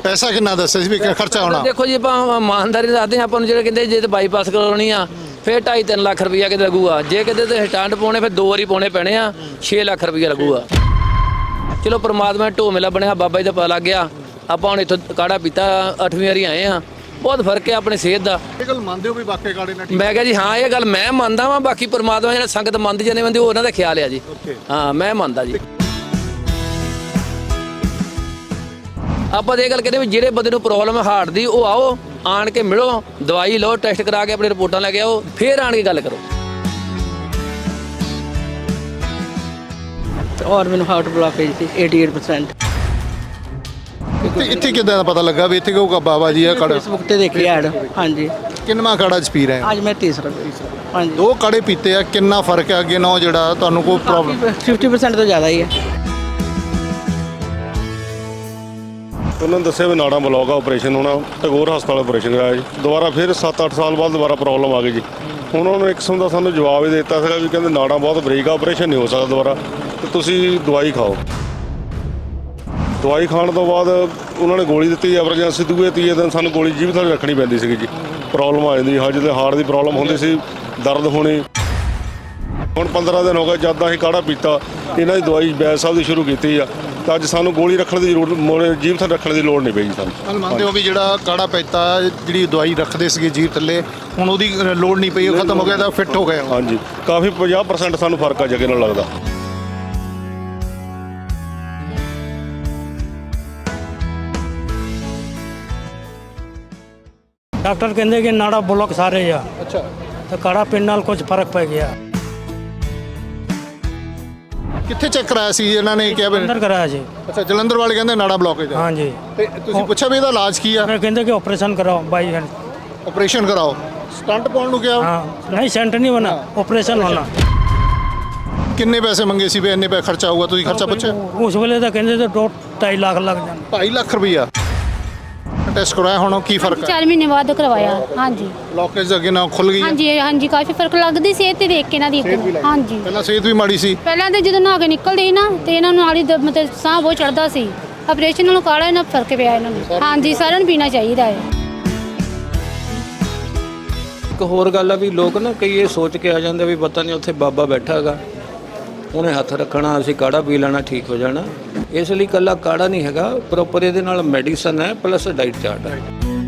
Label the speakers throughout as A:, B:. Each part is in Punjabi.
A: ਪੈਸਾ ਕਿੰਨਾ ਦੱਸਿਆ ਸੀ ਵੀ ਖਰਚਾ ਹੋਣਾ?
B: ਦੇਖੋ ਜੀ ਆਪਾਂ ਇਮਾਨਦਾਰੀ ਦੱਸਦੇ ਹਾਂ, ਆਪਾਂ ਨੂੰ ਜਿਹੜੇ ਕਹਿੰਦੇ ਜੇ ਤੇ ਬਾਈਪਾਸ ਕਰਾਉਣੀ ਆ ਫਿਰ 2.5-3 ਲੱਖ ਰੁਪਈਆ ਕਿਤੇ ਲੱਗੂਗਾ, ਜੇ ਕਿਤੇ ਤੇ ਸਟੈਂਡ ਪਾਉਣੇ ਫਿਰ 2 ਵਾਰੀ ਪਾਉਣੇ ਪੈਣੇ ਆ, 6 ਲੱਖ ਰੁਪਈਆ ਲੱਗੂਗਾ। ਚਲੋ ਪਰਮਾਤਮਾ ਢੋ ਮੇਲਾ ਬਣਿਆ, ਬਾਬਾ ਜੀ ਦਾ ਪਤਾ ਲੱਗ ਗਿਆ। ਆਪਾਂ ਹੁਣ ਇੱਥੋਂ ਕਾੜਾ ਪੀਤਾ 8ਵੀਂ ਵਾਰੀ ਆਏ ਆ, ਬਹੁਤ ਫਰਕ ਹੈ ਆਪਣੇ ਸਿਹਤ ਦਾ।
A: ਇਹ ਗੱਲ ਮੰਨਦੇ ਹੋ ਵੀ ਵਾਕਈ ਕਾੜੇ ਨਾਲ
B: ਮੈਂ ਕਿਹਾ ਜੀ ਹਾਂ ਇਹ ਗੱਲ ਮੈਂ ਮੰਨਦਾ ਵਾਂ, ਬਾਕੀ ਪਰਮਾਤਮਾ ਜਿਹੜਾ ਸੰਗਤ ਮੰਨਦੀ ਜਾਂਦੇ ਬੰਦੇ ਉਹ ਉਹਨਾਂ ਦਾ ਖਿਆਲ ਆ ਜੀ। ਹਾਂ ਮੈਂ ਮੰਨਦਾ ਜੀ। ਆਪਾਂ ਤਾਂ ਇਹ ਗੱਲ ਕਹਿੰਦੇ ਵੀ ਜਿਹੜੇ ਬੰਦੇ ਨੂੰ ਪ੍ਰੋਬਲਮ ਹੈ ਹਾਰਟ ਦੀ, ਉਹ ਆਓ ਆਣ ਕੇ ਮਿਲੋ, ਦਵਾਈ ਲਓ, ਟੈਸਟ ਕਰਾ ਕੇ ਆਪਣੀ ਰਿਪੋਰਟਾਂ ਲੈ ਕੇ ਆਓ, ਫਿਰ ਆਣ ਕੇ ਗੱਲ ਕਰੋ।
C: और मैंने हार्ट ब्लॉकेज थी 88%।
A: ਇੱਥੇ ਕਿੱਦਾਂ ਦਾ ਪਤਾ ਲੱਗਾ ਵੀ ਇੱਥੇ ਕਹੂਗਾ ਬਾਬਾ ਜੀ ਆ ਕਾੜਾ?
C: फेसबुक ਤੇ ਦੇਖੀ ਐਡ। ਹਾਂਜੀ
A: ਕਿੰਨਾ ਕਾੜਾ ਚ ਪੀ ਰਹੇ ਹੋ?
C: ਅੱਜ ਮੈਂ ਤੀਸਰਾ। ਹਾਂਜੀ
A: 2 ਕਾੜੇ ਪੀਤੇ ਆ, ਕਿੰਨਾ ਫਰਕ ਹੈ ਅੱਗੇ ਨਾਲੋਂ? ਜਿਹੜਾ ਤੁਹਾਨੂੰ ਕੋਈ ਪ੍ਰੋਬਲਮ
C: 50% ਤੋਂ ਜ਼ਿਆਦਾ ਹੀ ਹੈ।
D: ਉਹਨਾਂ ਨੇ ਦੱਸਿਆ ਵੀ ਨਾੜਾਂ ਬਲੌਕ ਆ, ਆਪਰੇਸ਼ਨ ਹੋਣਾ, ਟੈਗੋਰ ਹਸਪਤਾਲ ਆਪਰੇਸ਼ਨ ਕਰਾਇਆ ਜੀ। ਦੁਬਾਰਾ ਫਿਰ 7-8 ਸਾਲ ਬਾਅਦ ਦੁਬਾਰਾ ਪ੍ਰੋਬਲਮ ਆ ਗਈ ਜੀ। ਹੁਣ ਉਹਨਾਂ ਨੇ ਇੱਕ ਕਿਸਮ ਦਾ ਸਾਨੂੰ ਜਵਾਬ ਹੀ ਦੇ ਦਿੱਤਾ ਸੀਗਾ ਵੀ ਕਹਿੰਦੇ ਨਾੜਾਂ ਬਹੁਤ ਬਰੀਕ ਆ, ਆਪਰੇਸ਼ਨ ਨਹੀਂ ਹੋ ਸਕਦਾ ਦੁਬਾਰਾ, ਤੇ ਤੁਸੀਂ ਦਵਾਈ ਖਾਓ। ਦਵਾਈ ਖਾਣ ਤੋਂ ਬਾਅਦ ਉਹਨਾਂ ਨੇ ਗੋਲੀ ਦਿੱਤੀ, ਐਮਰਜੈਂਸੀ ਦੂਏ ਤੀਏ ਦਿਨ ਸਾਨੂੰ ਗੋਲੀ ਜੀਭ ਥੱਲੇ ਰੱਖਣੀ ਪੈਂਦੀ ਸੀਗੀ ਜੀ। ਪ੍ਰੋਬਲਮ ਆ ਜਾਂਦੀ, ਹਾਂ ਜਿਹਦੇ ਹਾਰਟ ਦੀ ਪ੍ਰੋਬਲਮ ਹੁੰਦੀ ਸੀ, ਦਰਦ ਹੋਣੀ। ਹੁਣ 15 ਦਿਨ ਹੋ ਗਏ ਜਦ ਦਾ ਅਸੀਂ ਕਾੜਾ ਪੀਤਾ, ਇਹਨਾਂ ਦੀ ਦਵਾਈ ਬੈਦ ਸਾਹਿਬ ਦੀ ਸ਼ੁਰੂ ਕੀਤੀ ਆ, ਤਾਂ ਅੱਜ ਸਾਨੂੰ ਗੋਲੀ ਰੱਖਣ ਦੀ ਜ਼ਰੂਰਤ, ਜੀਭ ਥੱਲੇ ਰੱਖਣ ਦੀ ਲੋੜ ਨਹੀਂ ਪਈ ਸਾਨੂੰ।
A: ਗੱਲ ਮੰਨਦੇ ਹੋ ਵੀ ਜਿਹੜਾ ਕਾੜਾ ਪੀਤਾ, ਜਿਹੜੀ ਦਵਾਈ ਰੱਖਦੇ ਸੀਗੇ ਜੀਭ ਥੱਲੇ, ਹੁਣ ਉਹਦੀ ਲੋੜ ਨਹੀਂ ਪਈ, ਉਹ ਖਤਮ ਹੋ ਗਿਆ ਤਾਂ ਫਿੱਟ ਹੋ ਗਏ?
D: ਹਾਂਜੀ ਕਾਫੀ 50% ਸਾਨੂੰ ਫਰਕ ਆ ਜਗੇ ਨਾਲ ਲੱਗਦਾ।
E: डॉक्टर कहते कि नाड़ा ब्लॉक सारे आ।
A: ਅੱਛਾ
E: तो काढ़ा पीने नाल कुछ फर्क पै गया।
A: ਕਿੱਥੇ ਚੈੱਕ ਕਰਾਇਆ ਸੀ ਇਹਨਾਂ ਨੇ ਕਿਹਾ ਵੀ?
E: अंदर कराया जी।
A: ਅੱਛਾ ਜਲੰਧਰ ਵਾਲੇ ਕਹਿੰਦੇ ਨਾੜਾ ਬਲੌਕੇਜ ਆ।
E: हाँ जी।
A: ਤੇ ਤੁਸੀਂ ਪੁੱਛਿਆ ਵੀ ਇਹਦਾ ਇਲਾਜ ਕੀ ਆ?
E: मैं कहते कि ऑपरेशन कराओ बाई हैंड।
A: ਆਪਰੇਸ਼ਨ ਕਰਾਓ। ਸਟੰਟ ਪਾਉਣ ਨੂੰ ਕਿਹਾ?
E: हाँ नहीं सेंट नहीं बना, ऑपरेशन होना।
A: ਕਿੰਨੇ ਪੈਸੇ ਮੰਗੇ ਸੀ ਵੀ ਇੰਨੇ ਪੈਸੇ ਖਰਚਾ ਹੋਊਗਾ? ਤੁਸੀਂ ਖਰਚਾ ਪੁੱਛਿਆ?
E: उस वेले तो कहते थे 2-2.5 लाख लग जाने।
A: 2.5 ਲੱਖ ਰੁਪਈਆ ਟੈਸਟ ਕਰਾਇਆ, ਹੁਣ ਕੀ ਫਰਕ ਹੈ?
F: 4 ਮਹੀਨੇ ਬਾਅਦ ਕਰਵਾਇਆ। ਹਾਂਜੀ
A: ਬਲੌਕੇਜ ਅੱਗੇ ਨਾਲ ਖੁੱਲ ਗਈ?
F: ਹਾਂਜੀ ਹਾਂਜੀ ਕਾਫੀ ਫਰਕ ਲੱਗਦੀ ਸਿਹਤ ਤੇ ਦੇਖ ਕੇ ਇਹਨਾਂ ਦੀ। ਹਾਂਜੀ
A: ਪਹਿਲਾਂ ਸਿਹਤ ਵੀ ਮਾੜੀ ਸੀ?
F: ਪਹਿਲਾਂ ਤੇ ਜਦੋਂ ਨਹਾ ਕੇ ਨਿਕਲਦੇ ਸੀ ਨਾ ਤੇ ਇਹਨਾਂ ਨੂੰ ਨਾਲ ਹੀ ਮਤਲਬ ਸਾਹ ਬਹੁਤ ਚੜਦਾ ਸੀ। ਆਪਰੇਸ਼ਨ ਨਾਲੋਂ ਕਾੜਾ ਇਹਨਾਂ ਫਰਕ ਪਿਆ ਇਹਨਾਂ ਨੂੰ। ਹਾਂਜੀ ਸਾਰਿਆਂ ਨੂੰ ਪੀਣਾ ਚਾਹੀਦਾ ਹੈ।
B: ਇੱਕ ਹੋਰ ਗੱਲ ਆ ਵੀ ਲੋਕ ਨਾ ਕਈ ਇਹ ਸੋਚ ਕੇ ਆ ਜਾਂਦੇ ਵੀ ਪਤਾ ਨਹੀਂ ਉੱਥੇ ਬਾਬਾ ਬੈਠਾ ਹੈਗਾ, ਉਹਨੇ ਹੱਥ ਰੱਖਣਾ, ਅਸੀਂ ਕਾੜਾ ਪੀ ਲੈਣਾ, ਠੀਕ ਹੋ ਜਾਣਾ। ਇਸ ਲਈ ਇਕੱਲਾ ਕਾੜਾ ਨਹੀਂ ਹੈਗਾ, ਪ੍ਰੋਪਰ ਇਹਦੇ ਨਾਲ ਮੈਡੀਸਨ ਹੈ ਪਲੱਸ ਡਾਈਟ ਚਾਰਟ ਹੈ।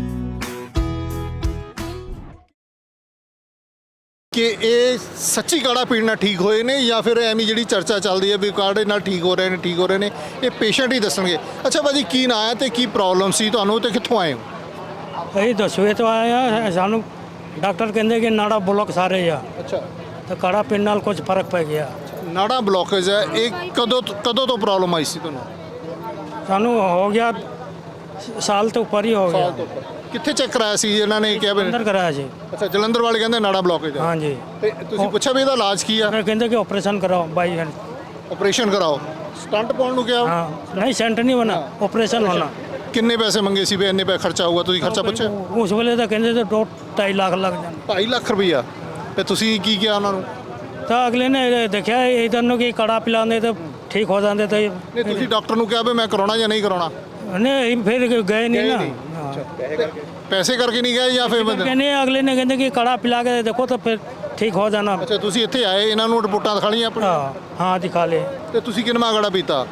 A: ਕਿ ਇਹ ਸੱਚੀ ਕਾੜਾ ਪੀਣ ਨਾਲ ਠੀਕ ਹੋਏ ਨੇ ਜਾਂ ਫਿਰ ਐਵੇਂ ਜਿਹੜੀ ਚਰਚਾ ਚੱਲਦੀ ਹੈ ਵੀ ਕਾੜੇ ਨਾਲ ਠੀਕ ਹੋ ਰਹੇ ਨੇ, ਠੀਕ ਹੋ ਰਹੇ ਨੇ, ਇਹ ਪੇਸ਼ੈਂਟ ਹੀ ਦੱਸਣਗੇ। ਅੱਛਾ ਭਾਜੀ ਕੀ ਨਾਂ ਹੈ ਤੇ ਕੀ ਪ੍ਰੋਬਲਮ ਸੀ ਤੁਹਾਨੂੰ ਤੇ ਕਿੱਥੋਂ ਆਏ ਹੋ?
E: यही दसवें तो आया सानू डॉक्टर कहते कि नाड़ा ब्लॉक सारे आ।
A: ਅੱਛਾ
E: तो काढ़ा पीने नाल कुछ फर्क पै गया।
A: ਨਾੜਾ ਬਲੌਕੇਜ ਹੈ, ਇਹ ਕਦੋਂ ਤੋਂ ਪ੍ਰੋਬਲਮ ਆਈ ਸੀ ਤੁਹਾਨੂੰ?
E: सानू हो गया साल तो ऊपर ही हो गया।
A: ਕਿੱਥੇ ਚੈੱਕ ਕਰਾਇਆ ਸੀ ਇਹਨਾਂ ਨੇ ਕਿਹਾ ਵੀ?
E: अंदर कराया जी।
A: ਅੱਛਾ ਜਲੰਧਰ ਵਾਲੇ ਕਹਿੰਦੇ ਨਾੜਾ ਬਲੌਕੇਜ ਹੈ।
E: हाँ जी।
A: ਤੇ ਤੁਸੀਂ ਪੁੱਛਿਆ ਵੀ ਇਹਦਾ ਇਲਾਜ ਕੀ ਆ?
E: मैं कहते कि ऑपरेशन कराओ बाई हैंड।
A: ਆਪਰੇਸ਼ਨ ਕਰਾਓ। ਸਟੰਟ ਪਾਉਣ ਨੂੰ ਕਿਹਾ?
E: हाँ नहीं सेंट नहीं बना, ऑपरेशन होना।
A: ਕਿੰਨੇ ਪੈਸੇ ਮੰਗੇ ਸੀ ਵੀ ਇੰਨੇ ਪੈਸੇ ਖਰਚਾ ਹੋਊਗਾ? ਤੁਸੀਂ ਖਰਚਾ ਪੁੱਛਿਆ?
E: उस वेले तो कहते थे 2-2.5 लाख लग जाने।
A: 2.5 ਲੱਖ ਰੁਪਈਆ। ਤੇ ਤੁਸੀਂ ਕੀ ਕਿਹਾ ਉਹਨਾਂ ਨੂੰ?
E: तो अगले ने देखा इधर नु कि काढ़ा पिलाने तो ठीक हो जाते तो
A: ਨਹੀਂ ਤੁਸੀਂ ਡਾਕਟਰ ਨੂੰ ਕਿਹਾ ਵੀ ਮੈਂ ਕਰਾਉਣਾ ਜਾਂ ਨਹੀਂ ਕਰਾਉਣਾ?
E: नहीं फिर गए नहीं ना।
A: ਪੈਸੇ ਕਰਕੇ ਨਹੀਂ ਗਏ ਜਾਂ ਫਿਰ ਬੰਦੇ?
E: कहने अगले ने कहते कि काढ़ा पिला के देखो तो फिर ठीक हो जाना।
A: ਅੱਛਾ ਤੁਸੀਂ ਇੱਥੇ ਆਏ, ਇਹਨਾਂ ਨੂੰ ਰਿਪੋਰਟਾਂ ਦਿਖਾ ਲਈਆਂ ਆਪਣੀ?
E: हाँ हाँ दिखा ले।
A: ਤੇ ਤੁਸੀਂ ਕਿੰਨਾ ਕਾੜਾ ਪੀਤਾ?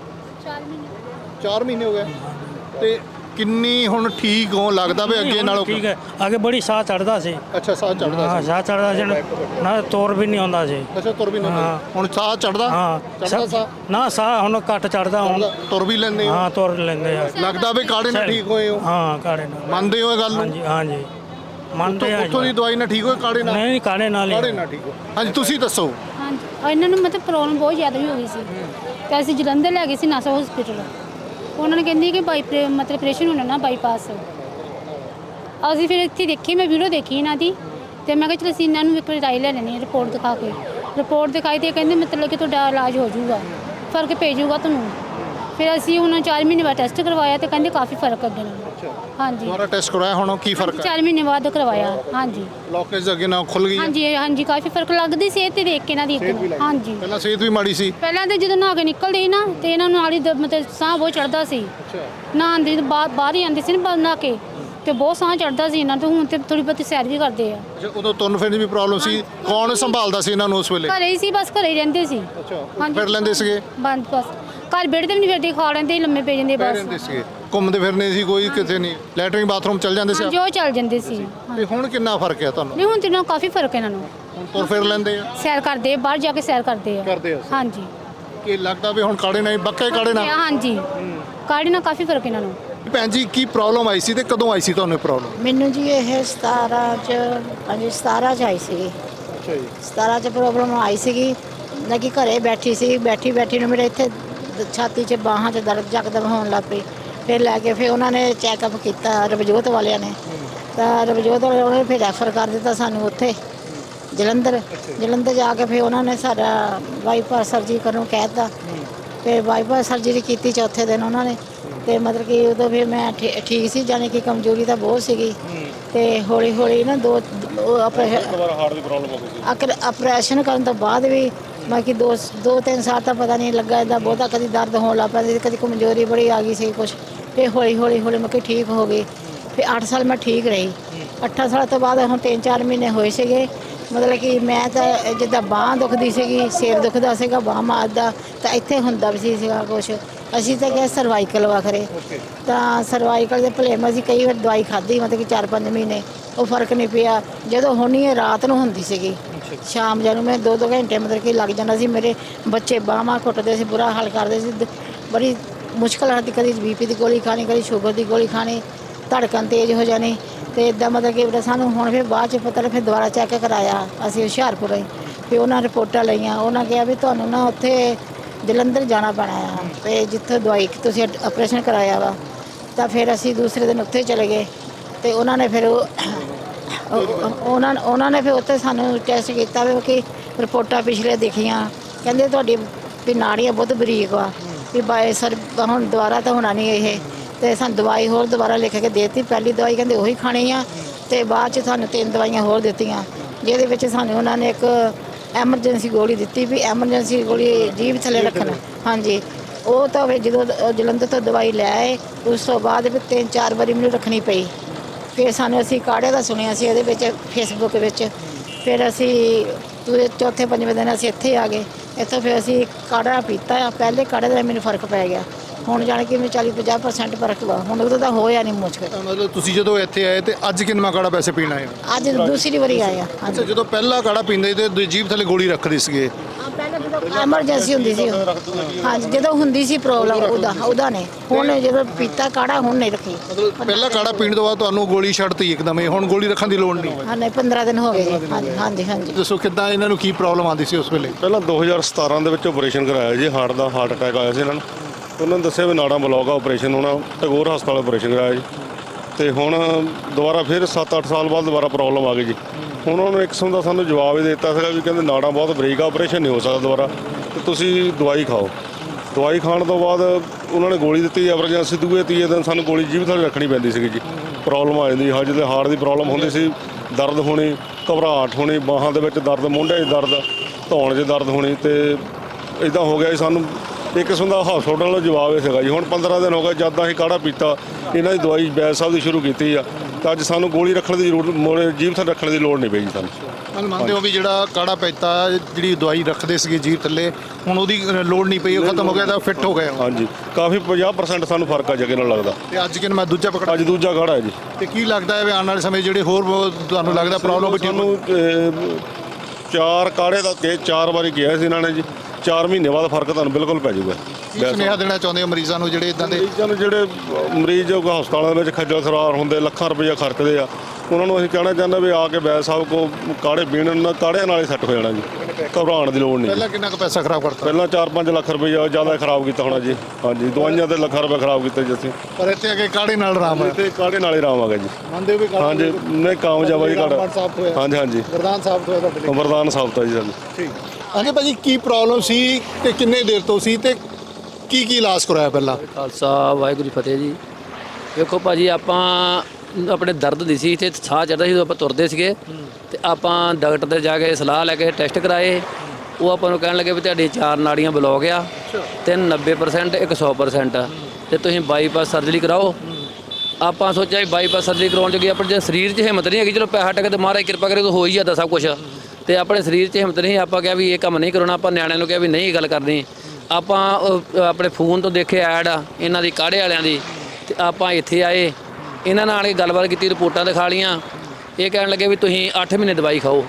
A: 4 ਮਹੀਨੇ ਹੋ ਗਏ। ਤੇ ਕਿੰਨੀ ਹੁਣ ਠੀਕ ਹੋ ਲੱਗਦਾ ਵੀ ਅੱਗੇ ਨਾਲੋਂ?
E: ठीक है आगे बड़ी साह चढ़ता सी।
A: ਅੱਛਾ ਸਾਹ ਚੜਦਾ
E: हाँ
A: ਸੀ?
E: साह चढ़ता सी ना, तौर भी नहीं होता सी।
A: ਅੱਛਾ ਤੁਰ ਵੀ ਨਹੀਂ ਹੁਣ ਸਾਹ ਚੜਦਾ?
E: हाँ
A: ਚੜਦਾ ਸਾਹ?
E: ना साह हुन घट चढ़ता हुन।
A: ਤੁਰ ਵੀ ਲੈਂਦੇ ਹੋ?
E: हाँ तुर लेंदे आ।
A: ਲੱਗਦਾ ਵੀ ਕਾੜੇ ਨਾਲ ਠੀਕ ਹੋਏ ਹੋ?
E: हाँ काढ़े नाल।
A: ਮੰਨਦੇ ਹੋ ਇਹ ਗੱਲ
E: हाँ
A: ਨੂੰ?
E: जी हाँ जी मानते हैं।
A: ਉੱਥੋਂ ਦੀ ਦਵਾਈ ਨਾਲ ਠੀਕ ਹੋਏ ਕਾੜੇ ਨਾਲ?
E: नहीं काढ़े नाल
A: ਕਾੜੇ
E: ही।
A: ਨਾਲ ਠੀਕ ਹੋ। ਹਾਂਜੀ ਤੁਸੀਂ ਦੱਸੋ।
F: ਹਾਂਜੀ ਔਰ ਇਹਨਾਂ ਨੂੰ ਮਤਲਬ ਪ੍ਰੋਬਲਮ ਬਹੁਤ ਜ਼ਿਆਦਾ ਹੀ ਹੋ ਗਈ ਸੀ ਤੇ ਅਸੀਂ ਜਲੰਧਰ ਲੈ ਗਏ ਸੀ ਨਾਸਾ ਹਸਪੀਟਲ। ਉਹਨਾਂ ਨੇ ਕਹਿੰਦੇ ਕਿ ਮਤਲਬ ਆਪਰੇਸ਼ਨ ਹੋਣਾ ਨਾ ਬਾਈਪਾਸ। ਅਸੀਂ ਫਿਰ ਇੱਥੇ ਦੇਖੀ, ਮੈਂ ਵੀਡੀਓ ਦੇਖੀ ਇਹਨਾਂ ਦੀ ਤੇ ਮੈਂ ਕਿਹਾ ਚਲੋ ਅਸੀਂ ਇਹਨਾਂ ਨੂੰ ਇੱਕ ਰਾਈ ਲੈ ਲੈਣੀ ਰਿਪੋਰਟ ਦਿਖਾ ਕੇ। ਰਿਪੋਰਟ ਦਿਖਾਈ ਤੇ ਕਹਿੰਦੇ ਮਤਲਬ ਕਿ ਤੁਹਾਡਾ ਇਲਾਜ ਹੋ ਜਾਊਗਾ, ਫਰਕ ਪੈ ਜਾਊਗਾ ਤੁਹਾਨੂੰ। ਫਿਰ ਅਸੀਂ ਹੁਣ 4 ਮਹੀਨੇ ਬਾਅਦ ਟੈਸਟ ਕਰਵਾਇਆ ਤੇ ਕਹਿੰਦੇ ਕਾਫੀ ਫਰਕ ਅੱਗੇ ਨਾਲੋਂ। ਹਾਂਜੀ
A: ਦੁਬਾਰਾ ਟੈਸਟ ਕਰਵਾਇਆ, ਹੁਣ ਕੀ ਫਰਕ ਹੈ?
F: 4 ਮਹੀਨੇ ਬਾਅਦ ਕਰਵਾਇਆ। ਹਾਂਜੀ
A: ਬਲੌਕੇਜ ਅੱਗੇ ਨਾਲ ਖੁੱਲ ਗਈ ਹੈ?
F: ਹਾਂਜੀ ਹਾਂਜੀ ਕਾਫੀ ਫਰਕ ਲੱਗਦੀ ਸਿਹਤ ਤੇ ਦੇਖ ਕੇ ਇਹਨਾਂ ਦੀ ਇੱਕ ਹਾਂਜੀ।
A: ਪਹਿਲਾਂ ਸਿਹਤ ਵੀ ਮਾੜੀ ਸੀ।
F: ਪਹਿਲਾਂ ਤੇ ਜਦੋਂ ਨਹਾ ਕੇ ਨਿਕਲਦੇ ਸੀ ਨਾ ਤੇ ਇਹਨਾਂ ਨੂੰ ਨਾਲ ਹੀ ਮਤਲਬ ਸਾਹ ਬਹੁਤ ਚੜਦਾ ਸੀ। ਨਹਾਉਣ ਦੇ ਬਾਹਰ ਹੀ ਆਉਂਦੇ ਸੀ ਨਾ ਨਹਾ ਕੇ ਤੇ ਬਹੁਤ ਸਾਹ ਚੜਦਾ ਸੀ ਇਹਨਾਂ ਤੋਂ। ਹੁਣ ਤੇ ਥੋੜੀ ਬਹੁਤੀ ਸੈਰ ਵੀ ਕਰਦੇ ਆ।
A: ਅੱਛਾ, ਉਦੋਂ ਤੁਰਨ ਫਿਰਨ ਦੀ ਵੀ ਪ੍ਰੋਬਲਮ ਸੀ। ਕੌਣ ਸੰਭਾਲਦਾ ਸੀ ਇਹਨਾਂ ਨੂੰ ਉਸ ਵੇਲੇ?
F: ਘਰੇ ਹੀ ਸੀ, ਬਸ ਘਰੇ ਹੀ ਰਹਿੰਦੇ ਸੀ।
A: ਹਾਂਜੀ, ਫਿਰ ਲੈਂਦੇ ਸੀਗੇ?
F: ਬੰਦ ਬਸ ਘਰ ਬੈਠ ਤੇ ਵੀ ਨਹੀਂ ਫਿਰਦੇ, ਖਾ ਲੈਂਦੇ ਸੀ, ਲੰਮੇ ਪੈ ਜਾਂਦੇ
A: ਪੈ ਰਹਿੰਦੇ
F: ਬਸ।
A: ਸੀਗੇ, ਘੁੰਮਦੇ ਫਿਰਨੇ ਸੀ, ਕੋਈ ਕਿਤੇ ਨਹੀਂ, ਲੈਟਰਿੰਗ ਬਾਥਰੂਮ ਚੱਲ ਜਾਂਦੇ ਸੀ?
F: ਜੋ ਚੱਲ ਜਾਂਦੇ ਸੀ।
A: ਤੇ ਹੁਣ ਕਿੰਨਾ ਫਰਕ ਹੈ ਤੁਹਾਨੂੰ?
F: ਨਹੀਂ ਹੁਣ ਤੇ ਇਹਨਾਂ ਨੂੰ ਕਾਫੀ ਫਰਕ ਹੈ ਇਹਨਾਂ ਨੂੰ।
A: ਹੁਣ ਤੁਰ ਫਿਰ ਲੈਂਦੇ ਆ?
F: ਸੈਰ ਕਰਦੇ ਆ, ਬਾਹਰ ਜਾ ਕੇ ਸੈਰ ਕਰਦੇ ਆ।
A: ਕਰਦੇ ਆ।
F: ਹਾਂਜੀ
A: ਕੀ ਲੱਗਦਾ ਵੀ ਹੁਣ ਕਾੜੇ ਨਾਲ ਬੱਕੇ ਕਾੜੇ ਨਾਲ?
F: ਹਾਂਜੀ ਕਾੜੇ ਨਾਲ ਕਾਫੀ ਫਰਕ ਇਹਨਾਂ ਨੂੰ।
A: ਭੈਣ ਜੀ, ਕੀ ਪ੍ਰੋਬਲਮ ਆਈ ਸੀ ਤੇ ਕਦੋਂ ਆਈ ਸੀ ਤੁਹਾਨੂੰ ਪ੍ਰੋਬਲਮ?
G: ਮੈਨੂੰ ਜੀ ਇਹ 17 ਚ ਆਈ ਸੀਗੀ।
A: ਅੱਛਾ ਜੀ।
G: 17 ਚ ਪ੍ਰੋਬਲਮ ਆਈ ਸੀਗੀ। ਨਾ ਕਿ ਘਰੇ ਬੈਠੀ ਸੀ, ਬੈਠੀ ਨੂੰ ਮੇਰੇ ਇੱਥੇ ਛਾਤੀ 'ਚ ਬਾਹਾਂ 'ਚ ਦਰਦ ਜਕਦਮ ਹੋਣ ਲੱਗ ਪਈ। ਫਿਰ ਲੈ ਕੇ ਫਿਰ ਉਹਨਾਂ ਨੇ ਚੈੱਕਅਪ ਕੀਤਾ ਰਵਜੋਤ ਵਾਲਿਆਂ ਨੇ, ਤਾਂ ਰਵਜੋਤ ਵਾਲਿਆਂ ਨੇ ਫਿਰ ਰੈਫਰ ਕਰ ਦਿੱਤਾ ਸਾਨੂੰ ਉੱਥੇ ਜਲੰਧਰ ਜਾ ਕੇ ਫਿਰ ਉਹਨਾਂ ਨੇ ਸਾਡਾ ਬਾਈਪਾਸ ਸਰਜਰੀ ਕਰਨ ਨੂੰ ਕਹਿ ਦਿੱਤਾ। ਫਿਰ ਬਾਈਪਾਸ ਸਰਜਰੀ ਕੀਤੀ ਚੌਥੇ ਦਿਨ ਉਹਨਾਂ ਨੇ। ਤੇ ਮਤਲਬ ਕਿ ਉਦੋਂ ਫਿਰ ਮੈਂ ਠੀਕ ਸੀ, ਜਾਣੀ ਕਿ ਕਮਜ਼ੋਰੀ ਤਾਂ ਬਹੁਤ ਸੀਗੀ। ਤੇ ਹੌਲੀ ਨਾ ਦੋ
D: ਹਾਰਟ ਦੀ ਪ੍ਰੋਬਲਮ ਹੋ ਗਈ ਸੀ।
G: ਆਪਰੇਸ਼ਨ ਕਰਨ ਤੋਂ ਬਾਅਦ ਵੀ ਮੈਂ ਕਿ 2-3 ਸਾਲ ਤਾਂ ਪਤਾ ਨਹੀਂ ਲੱਗਾ ਇੱਦਾਂ ਬਹੁਤਾ। ਕਦੀ ਦਰਦ ਹੋਣ ਲੱਗ ਪੈਂਦੀ ਸੀ, ਕਦੀ ਕਮਜ਼ੋਰੀ ਬੜੀ ਆ ਗਈ ਸੀ ਕੁਛ। ਫਿਰ ਹੌਲੀ ਮੈਂ ਕਿ ਠੀਕ ਹੋ ਗਈ। ਫਿਰ 8 ਸਾਲ ਮੈਂ ਠੀਕ ਰਹੀ। 8 ਸਾਲ ਤੋਂ ਬਾਅਦ ਹੁਣ 3-4 ਮਹੀਨੇ ਹੋਏ ਸੀਗੇ। ਮਤਲਬ ਕਿ ਮੈਂ ਤਾਂ ਜਿੱਦਾਂ ਬਾਂਹ ਦੁਖਦੀ ਸੀਗੀ, ਸਿਰ ਦੁਖਦਾ ਸੀਗਾ, ਬਾਂਹ ਮਾਰਦਾ ਤਾਂ ਇੱਥੇ ਹੁੰਦਾ ਵੀ ਸੀਗਾ ਕੁਛ। ਅਸੀਂ ਤਾਂ ਕਿਹਾ ਸਰਵਾਈਕਲ ਵਖਰੇ, ਤਾਂ ਸਰਵਾਈਕਲ ਦੇ ਭਲੇਮ ਅਸੀਂ ਕਈ ਵਾਰ ਦਵਾਈ ਖਾਧੀ, ਮਤਲਬ ਕਿ 4-5 ਮਹੀਨੇ, ਉਹ ਫਰਕ ਨਹੀਂ ਪਿਆ। ਜਦੋਂ ਹੋਣੀ ਇਹ ਰਾਤ ਨੂੰ ਹੁੰਦੀ ਸੀਗੀ, ਸ਼ਾਮ ਨੂੰ ਮੈਂ 2-2 ਘੰਟੇ ਮਤਲਬ ਕਿ ਲੱਗ ਜਾਂਦਾ ਸੀ। ਮੇਰੇ ਬੱਚੇ ਬਾਹਾਂ ਘੁੱਟਦੇ ਸੀ, ਬੁਰਾ ਹਾਲ ਕਰਦੇ ਸੀ। ਬੜੀ ਮੁਸ਼ਕਲ ਆਉਂਦੀ, ਕਦੀ BP ਦੀ ਗੋਲੀ ਖਾਣੀ, ਕਦੀ ਸ਼ੂਗਰ ਦੀ ਗੋਲੀ ਖਾਣੀ, ਧੜਕਣ ਤੇਜ਼ ਹੋ ਜਾਣੀ। ਤੇ ਇਦਾਂ ਮਤਲਬ ਕਿ ਸਾਨੂੰ ਹੁਣ ਫਿਰ ਬਾਅਦ 'ਚ ਪਤਾ ਫਿਰ ਦੁਬਾਰਾ ਚੈੱਕ ਕਰਾਇਆ ਅਸੀਂ ਹੁਸ਼ਿਆਰਪੁਰ ਹੀ। ਫਿਰ ਉਹਨਾਂ ਰਿਪੋਰਟਾਂ ਲਈਆਂ, ਉਹਨਾਂ ਕਿਹਾ ਵੀ ਤੁਹਾਨੂੰ ਨਾ ਉੱਥੇ ਜਲੰਧਰ ਜਾਣਾ ਪੈਣਾ ਆ, ਤੇ ਜਿੱਥੇ ਦਵਾਈ ਤੁਸੀਂ ਆਪਰੇਸ਼ਨ ਕਰਾਇਆ ਵਾ। ਤਾਂ ਫਿਰ ਅਸੀਂ ਦੂਸਰੇ ਦਿਨ ਉੱਥੇ ਚਲੇ ਗਏ ਤੇ ਉਹਨਾਂ ਨੇ ਫਿਰ ਉਹਨਾਂ ਨੇ ਫਿਰ ਉੱਥੇ ਸਾਨੂੰ ਟੈਸਟ ਕੀਤਾ ਵੀ ਕਿ ਰਿਪੋਰਟਾਂ ਪਿਛਲੇ ਦਿਖੀਆਂ। ਕਹਿੰਦੇ ਤੁਹਾਡੀ ਵੀ ਨਾੜੀਆਂ ਬਹੁਤ ਬਰੀਕ ਵਾ, ਵੀ ਬਾਏ ਸਰ ਹੁਣ ਦੁਬਾਰਾ ਤਾਂ ਹੋਣਾ ਨਹੀਂ ਇਹ। ਤੇ ਸਾਨੂੰ ਦਵਾਈ ਹੋਰ ਦੁਬਾਰਾ ਲਿਖ ਕੇ ਦੇ ਦਿੱਤੀ। ਪਹਿਲੀ ਦਵਾਈ ਕਹਿੰਦੇ ਉਹੀ ਖਾਣੀ ਆ, ਤੇ ਬਾਅਦ 'ਚ ਸਾਨੂੰ 3 ਦਵਾਈਆਂ ਹੋਰ ਦਿੱਤੀਆਂ, ਜਿਹਦੇ ਵਿੱਚ ਸਾਨੂੰ ਉਹਨਾਂ ਨੇ ਇੱਕ ਐਮਰਜੈਂਸੀ ਗੋਲੀ ਦਿੱਤੀ ਵੀ ਐਮਰਜੈਂਸੀ ਗੋਲੀ ਜੀਭ ਥੱਲੇ ਰੱਖਣਾ। ਹਾਂਜੀ, ਉਹ ਤਾਂ ਫਿਰ ਜਦੋਂ ਜਲੰਧਰ ਤੋਂ ਦਵਾਈ ਲੈ ਆਏ, ਉਸ ਤੋਂ ਬਾਅਦ ਫਿਰ 3-4 ਵਾਰੀ ਮੈਨੂੰ ਰੱਖਣੀ ਪਈ। ਫਿਰ ਸਾਨੂੰ ਅਸੀਂ ਕਾੜੇ ਦਾ ਸੁਣਿਆ ਸੀ ਉਹਦੇ ਵਿੱਚ ਫੇਸਬੁੱਕ ਵਿੱਚ। ਫਿਰ ਅਸੀਂ ਚੌਥੇ-ਪੰਜਵੇਂ ਦਿਨ ਅਸੀਂ ਇੱਥੇ ਆ ਗਏ। ਇੱਥੋਂ ਫਿਰ ਅਸੀਂ ਕਾੜਾ ਪੀਤਾ। ਪਹਿਲੇ ਕਾੜੇ ਦਾ ਮੈਨੂੰ ਫਰਕ ਪੈ ਗਿਆ। ਹੁਣ ਜਾਣ ਕੇ ਮੈਨੂੰ 40-50% ਫਰਕ ਵਾ। ਹੁਣ ਉਦੋਂ ਤਾਂ ਹੋਇਆ ਨਹੀਂ ਮੁਸ਼ਕਲ।
A: ਮਤਲਬ ਤੁਸੀਂ ਜਦੋਂ ਇੱਥੇ ਆਏ ਤੇ ਅੱਜ ਕਿੰਨਾ ਕਾੜਾ ਪੈਸੇ ਪੀਣਾ ਹੈ?
G: ਅੱਜ ਦੂਸਰੀ ਵਾਰੀ ਆਏ ਆ।
A: ਅੱਛਾ, ਜਦੋਂ ਪਹਿਲਾ ਕਾੜਾ ਪੀਂਦੇ ਤੇ ਜੀਭ ਥੱਲੇ ਗੋਲੀ ਰੱਖਦੇ ਸੀਗੇ?
G: ਪਹਿਲਾਂ ਜਦੋਂ ਐਮਰਜੈਂਸੀ ਹੁੰਦੀ ਸੀ, ਹਾਂਜੀ ਜਦੋਂ ਹੁੰਦੀ ਸੀ ਪ੍ਰੋਬਲਮ ਉਹਦਾ ਨੇ। ਹੁਣ ਜਦੋਂ ਪੀਤਾ ਕਾੜਾ ਹੁਣ ਨਹੀਂ ਰੱਖੀ।
A: ਮਤਲਬ ਪਹਿਲਾ ਕਾੜਾ ਪੀਣ ਤੋਂ ਬਾਅਦ ਤੁਹਾਨੂੰ ਗੋਲੀ ਛੱਡਤੀ ਇੱਕਦਮ ਹੀ, ਹੁਣ ਗੋਲੀ ਰੱਖਣ ਦੀ ਲੋੜ ਨਹੀਂ?
G: ਹਾਂ ਨਹੀਂ, 15 ਦਿਨ ਹੋ ਗਏ ਜੀ। ਹਾਂਜੀ
A: ਦੱਸੋ ਕਿੱਦਾਂ ਇਹਨਾਂ ਨੂੰ ਕੀ ਪ੍ਰੋਬਲਮ ਆਉਂਦੀ ਸੀ ਉਸ ਵੇਲੇ?
D: ਪਹਿਲਾਂ 2017 ਦੇ ਵਿੱਚ ਆਪਰੇਸ਼ਨ ਕਰਾਇਆ ਜੀ, ਹਾਰਟ ਅਟੈਕ ਆਇਆ ਸੀ ਇਹਨਾਂ ਨੂੰ। ਉਹਨਾਂ ਨੇ ਦੱਸਿਆ ਵੀ ਨਾੜਾਂ ਬਲੌਕ ਆ, ਆਪਰੇਸ਼ਨ ਹੋਣਾ। ਟੈਗੋਰ ਹਸਪਤਾਲ ਆਪਰੇਸ਼ਨ ਕਰਾਇਆ ਜੀ। ਤੇ ਹੁਣ ਦੁਬਾਰਾ ਫਿਰ 7-8 ਸਾਲ ਬਾਅਦ ਦੁਬਾਰਾ ਪ੍ਰੋਬਲਮ ਆ ਗਈ ਜੀ। ਹੁਣ ਉਹਨਾਂ ਨੇ ਇੱਕ ਕਿਸਮ ਦਾ ਸਾਨੂੰ ਜਵਾਬ ਹੀ ਦੇ ਦਿੱਤਾ ਸੀਗਾ ਵੀ ਕਹਿੰਦੇ ਨਾੜਾਂ ਬਹੁਤ ਬਰੀਕ ਆ, ਆਪਰੇਸ਼ਨ ਨਹੀਂ ਹੋ ਸਕਦਾ ਦੁਬਾਰਾ, ਤੇ ਤੁਸੀਂ ਦਵਾਈ ਖਾਓ। ਦਵਾਈ ਖਾਣ ਤੋਂ ਬਾਅਦ ਉਹਨਾਂ ਨੇ ਗੋਲੀ ਦਿੱਤੀ ਐਮਰਜੈਂਸੀ। ਦੂਏ-ਤੀਏ ਦਿਨ ਸਾਨੂੰ ਗੋਲੀ ਜੀਭ ਥੱਲੇ ਰੱਖਣੀ ਪੈਂਦੀ ਸੀਗੀ ਜੀ। ਪ੍ਰੋਬਲਮ ਆ ਜਾਂਦੀ, ਹਜੇ ਤੇ ਹਾਰਟ ਦੀ ਪ੍ਰੋਬਲਮ ਹੁੰਦੀ ਸੀ, ਦਰਦ ਹੋਣੀ, ਘਬਰਾਹਟ ਹੋਣੀ, ਬਾਹਾਂ ਦੇ ਵਿੱਚ ਦਰਦ, ਮੋਢਿਆਂ 'ਚ ਦਰਦ, ਧੌਣ 'ਚ ਦਰਦ ਹੋਣੀ। ਤੇ ਇੱਦਾਂ ਹੋ ਗਿਆ ਜੀ। ਸਾਨੂੰ ਇੱਕ ਕਿਸਮ ਦਾ ਹਸਪਤਾਲ ਦਾ ਜਵਾਬ ਇਹ ਸੀਗਾ ਜੀ। ਹੁਣ 15 ਦਿਨ ਹੋ ਗਏ ਜਦ ਦਾ ਅਸੀਂ ਕਾੜਾ ਪੀਤਾ, ਇਹਨਾਂ ਦੀ ਦਵਾਈ ਵੈਦ ਸਾਹਿਬ ਦੀ ਸ਼ੁਰੂ ਕੀਤੀ ਆ, ਤਾਂ ਅੱਜ ਸਾਨੂੰ ਗੋਲੀ ਰੱਖਣ ਦੀ ਜ਼ਰੂਰਤ, ਜੀਭ ਥੱਲੇ ਰੱਖਣ ਦੀ ਲੋੜ ਨਹੀਂ ਪਈ ਜੀ ਸਾਨੂੰ।
A: ਮੰਨਦੇ ਹੋ ਵੀ ਜਿਹੜਾ ਕਾੜਾ ਪੀਤਾ, ਜਿਹੜੀ ਦਵਾਈ ਰੱਖਦੇ ਸੀਗੇ ਜੀਭ ਥੱਲੇ, ਹੁਣ ਉਹਦੀ ਲੋੜ ਨਹੀਂ ਪਈ, ਉਹ ਖਤਮ ਹੋ ਗਿਆ, ਤਾਂ ਫਿੱਟ ਹੋ ਗਏ?
D: ਹਾਂਜੀ, ਕਾਫੀ 50% ਸਾਨੂੰ ਫਰਕ ਆ ਜਗੇ ਨਾਲ ਲੱਗਦਾ।
A: ਤੇ ਅੱਜ ਕਿਨ ਮੈਂ ਦੂਜਾ ਪਕੜਾ?
D: ਅੱਜ ਦੂਜਾ ਕਾੜਾ ਹੈ ਜੀ।
A: ਤੇ ਕੀ ਲੱਗਦਾ ਹੈ ਵੀ ਆਉਣ ਵਾਲੇ ਸਮੇਂ ਜਿਹੜੇ ਹੋਰ ਤੁਹਾਨੂੰ ਲੱਗਦਾ ਪ੍ਰੋਬਲਮ?
D: ਸਾਨੂੰ 4 ਕਾੜੇ ਦਾ 4 ਵਾਰੀ ਕਿਹਾ ਸੀ ਇਹਨਾਂ ਨੇ ਜੀ। 4 ਮਹੀਨੇ ਬਾਅਦ ਫਰਕ ਤੁਹਾਨੂੰ ਬਿਲਕੁਲ ਪੈ ਜਾਊਗਾ।
A: ਕੀ ਸੁਨੇਹਾ ਦੇਣਾ ਚਾਹੁੰਦੇ ਹੋ ਮਰੀਜ਼ਾਂ ਨੂੰ ਜਿਹੜੇ ਇਦਾਂ ਦੇ?
D: ਮਰੀਜ਼ਾਂ ਨੂੰ ਜਿਹੜੇ ਮਰੀਜ਼ ਹਸਪਤਾਲਾਂ ਦੇ ਵਿੱਚ ਖੱਜਲ ਖਰਾਰ ਹੁੰਦੇ, ਲੱਖਾਂ ਰੁਪਈਆ ਖਰਚਦੇ ਆ, ਉਹਨਾਂ ਨੂੰ ਅਸੀਂ ਕਹਿਣਾ ਚਾਹੁੰਦੇ ਵੀ ਆ ਕੇ ਵੈਦ ਸਾਹਿਬ ਕੋ ਕਾੜੇ ਪੀਣ ਨਾਲ ਕਾੜਿਆਂ ਨਾਲ ਹੀ ਸੈੱਟ ਹੋ ਜਾਣਾ ਜੀ। ਘਬਰਾਉਣ ਦੀ ਲੋੜ ਨਹੀਂ।
A: ਪਹਿਲਾਂ ਕਿੰਨਾ ਕੁ ਪੈਸਾ ਖਰਾਬ ਕਰਤਾ?
D: ਪਹਿਲਾਂ 4-5 ਲੱਖ ਰੁਪਈਆ ਜ਼ਿਆਦਾ ਖਰਾਬ ਕੀਤਾ ਹੋਣਾ ਜੀ। ਹਾਂਜੀ, ਦਵਾਈਆਂ ਤੇ ਲੱਖਾਂ ਰੁਪਏ ਖਰਾਬ ਕੀਤੇ ਜੀ ਅਸੀਂ।
A: ਪਰ ਇੱਥੇ ਆ ਕੇ ਕਾੜੇ ਨਾਲ ਆਰਾਮ ਹੈ?
D: ਤੇ ਕਾੜੇ ਨਾਲ ਹੀ ਆਰਾਮ ਆ ਗਿਆ ਜੀ।
A: ਮੰਨਦੇ ਹੋ ਵੀ ਕਾੜਾ?
D: ਹਾਂਜੀ, ਨਹੀਂ ਕਾਮਯਾਬ ਆ ਜੀ ਕਾੜਾ। ਹਾਂਜੀ
A: ਵਰਦਾਨ ਸਾਬਤ ਹੋਇਆ ਤੁਹਾਡੇ ਲਈ?
D: ਵਰਦਾਨ ਸਾਬਤ ਆ ਜੀ ਸਾਨੂੰ।
A: ਠੀਕ। ਹਾਂਜੀ ਭਾਜੀ, ਕੀ ਪ੍ਰੋਬਲਮ ਸੀ ਤੇ ਕਿੰਨੇ ਦੇਰ ਤੋਂ ਸੀ ਤੇ ਕੀ ਇਲਾਜ ਕਰਾਇਆ ਪਹਿਲਾਂ?
B: ਖਾਲਸਾ ਵਾਹਿਗੁਰੂ ਜੀ ਫਤਿਹ ਜੀ। ਵੇਖੋ ਭਾਜੀ, ਆਪਾਂ ਆਪਣੇ ਦਰਦ ਦੀ ਸੀ, ਇੱਥੇ ਸਾਹ ਚੜਦਾ ਸੀ ਜਦੋਂ ਆਪਾਂ ਤੁਰਦੇ ਸੀਗੇ, ਤੇ ਆਪਾਂ ਡਾਕਟਰ ਤੇ ਜਾ ਕੇ ਸਲਾਹ ਲੈ ਕੇ ਟੈਸਟ ਕਰਾਏ। ਉਹ ਆਪਾਂ ਨੂੰ ਕਹਿਣ ਲੱਗੇ ਵੀ ਤੁਹਾਡੀ 4 ਨਾੜੀਆਂ ਬਲੌਕ ਆ, 3 90%, ਇੱਕ 100%, ਤੇ ਤੁਸੀਂ ਬਾਈਪਾਸ ਸਰਜਰੀ ਕਰਾਓ। ਆਪਾਂ ਸੋਚਿਆ ਵੀ ਬਾਈਪਾਸ ਸਰਜਰੀ ਕਰਾਉਣ ਜੋਗੀ ਆਪਣੇ ਜੇ ਸਰੀਰ 'ਚ ਹਿੰਮਤ ਨਹੀਂ ਹੈਗੀ, ਚਲੋ ਪੈਸਾ ਟਕੇ ਤੇ ਮਹਾਰਾਜ ਕਿਰਪਾ ਕਰੇ ਤਾਂ ਹੋ ਹੀ ਜਾਂਦਾ ਸਭ ਕੁਝ, ਤੇ ਆਪਣੇ ਸਰੀਰ 'ਚ ਹਿੰਮਤ ਨਹੀਂ। ਆਪਾਂ ਕਿਹਾ ਵੀ ਇਹ ਕੰਮ ਨਹੀਂ ਕਰਾਉਣਾ। ਆਪਾਂ ਨਿਆਣਿਆਂ ਨੂੰ ਕਿਹਾ ਵੀ ਨਹੀਂ ਗੱਲ ਕਰਨੀ। ਆਪਾਂ ਆਪਣੇ ਫੋਨ ਤੋਂ ਦੇਖੇ ਐਡ ਇਹਨਾਂ ਦੀ ਕਾੜੇ ਵਾਲਿਆਂ ਦੀ, ਤੇ ਆਪਾਂ ਇੱਥੇ ਆਏ, ਇਹਨਾਂ ਨਾਲ ਇਹ ਗੱਲਬਾਤ ਕੀਤੀ, ਰਿਪੋਰਟਾਂ ਦਿਖਾ ਲਈਆਂ। ਇਹ ਕਹਿਣ ਲੱਗੇ ਵੀ ਤੁਸੀਂ 8 ਮਹੀਨੇ ਦਵਾਈ ਖਾਓ